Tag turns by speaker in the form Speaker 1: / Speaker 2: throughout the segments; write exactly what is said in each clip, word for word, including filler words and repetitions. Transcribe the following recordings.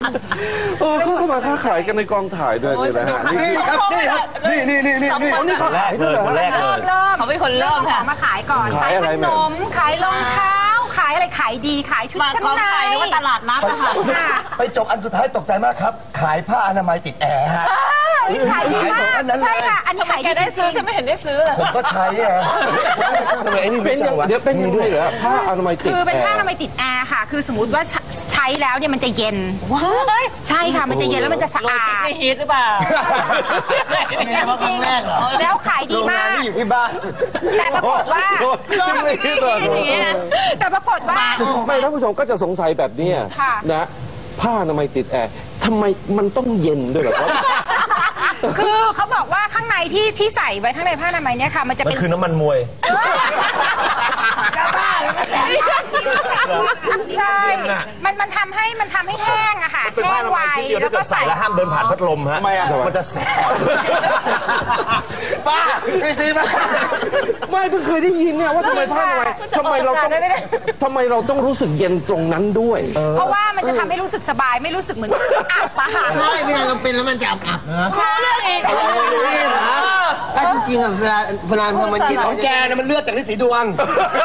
Speaker 1: เออเขาเข้ามาค้าขายกันในกองถ่ายด้วยเลยนะฮะนี่ครับนี่ครับนี่นี่นี่นี่นี่นี่เขาขายด้วยเหรอคนแรกเลย
Speaker 2: เขาเป็นคนเริ่มค่ะ
Speaker 3: มาขายก่อนขายขนมขายรองเท้าขายอะไรขายดีขายชุดชั้นในหรือว่าตลาดนัดนะคะ
Speaker 4: ไปจบอันสุดท้ายตกใจมากครับขายผ้าอนามัยติดแอร์ฮะ
Speaker 3: ขายดีมากใช่ค่ะอันนี้ขายดี
Speaker 2: ได้ซื้อฉันไม่เห็นได้ซื้อเลย
Speaker 4: ผมก็ใช้อะ
Speaker 1: ทำไมไอ้นี่เป็นเดี๋ยวเป็นด้วยเหรอผ้าอนามัยติด
Speaker 3: คือเป็นผ้าอนามัยติดแอร์ค่ะคือสมมติว่าใช้แล้วเนี่ยมันจะเย็นใช่ค่ะมันจะเย็นแล้วมันจะสะอาด
Speaker 2: ไม่ฮีทหรือเปล่า
Speaker 3: จริงๆแล้วขายดีมาก
Speaker 4: อยู่ที่บ้าน
Speaker 3: แต่ปรากฏว่าแต่ปรากฏว่า
Speaker 1: ไม่ท่านผู้ชมก็จะสงสัยแบบนี้นะผ้าอนามัยติดแอร์ทำไมมันต้องเย็นด้วยเหรอครับ
Speaker 3: คือเขาบอกว่าข้างในที่ที่ใส่ไว้ข้างในผ้าอนามัยเนี่ยค่ะมันจะเป็น
Speaker 4: คือน้ำมันมวย
Speaker 3: ใช่มันมันทำให้มันทำให้แห้งอะค่ะแห้งไวแล้วก็ใส่
Speaker 4: แล้วห้ามเดินผ่านพัดลมฮะมันจะแสบป้าไม่ซีมา
Speaker 1: ไม่เพิ่งเคยได้ยินเนี่ยว่าทำไมผ้าอนามัยทำไมเราต้องทำไมเราต้องรู้สึกเย็นตรงนั้นด้วย
Speaker 3: เพราะว่ามันจะทำให้รู้สึกสบายไม่รู้สึกเหมือนอับอะค่ะ
Speaker 5: ใช่เวลาเราเป็นแล้วมันจะอับอับนะ
Speaker 3: ใช่เรื่องอีก
Speaker 5: ถ้าจริงๆอ่ะเวลาเวลามันคิด
Speaker 4: ของแกนะมันเลือดจากฤทธิ์สีดวง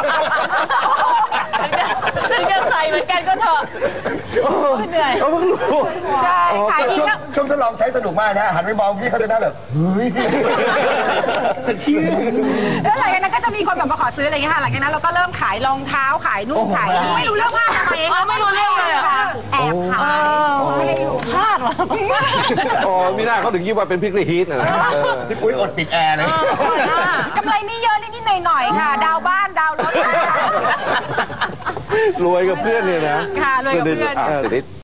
Speaker 2: ถึงจะใส่เหมือนกันก็เถอะเหนื่อย
Speaker 1: เพิ่งรู้
Speaker 3: ใช่ขายดีแล้ว
Speaker 4: ช่วงทดลองใช้สนุกมากนะหันไปมองพี่เขาจะน่าแบบเฮ้ยฉันเชื่อ
Speaker 3: แล้วหลังจากนั้นก็จะมีคนแบบมาขอซื้ออะไรอย่างเงี้ยค่ะหลังจากนั้นเราก็เริ่มขายรองเท้าขายนุ่งขายไม่รู้เรื่องผ้าทำไม
Speaker 2: ไม่รู้เรื่องเลย
Speaker 3: แอบขายไม่ได้รู้
Speaker 2: พลาดหรอ
Speaker 1: อ๋อมีหน้าเขาถึงคิดว่าเป็นพิกลี่ฮีทนะ
Speaker 4: พี่ปุ้ยอดติดแอร์เลย
Speaker 3: กำไรไม่เยอะนิดๆหน่อยๆค่ะดาวบ้านดาวรถ
Speaker 1: รวยกับเพื่อนเนี่ยนะ
Speaker 3: ค่ะรวยกับเพื่อน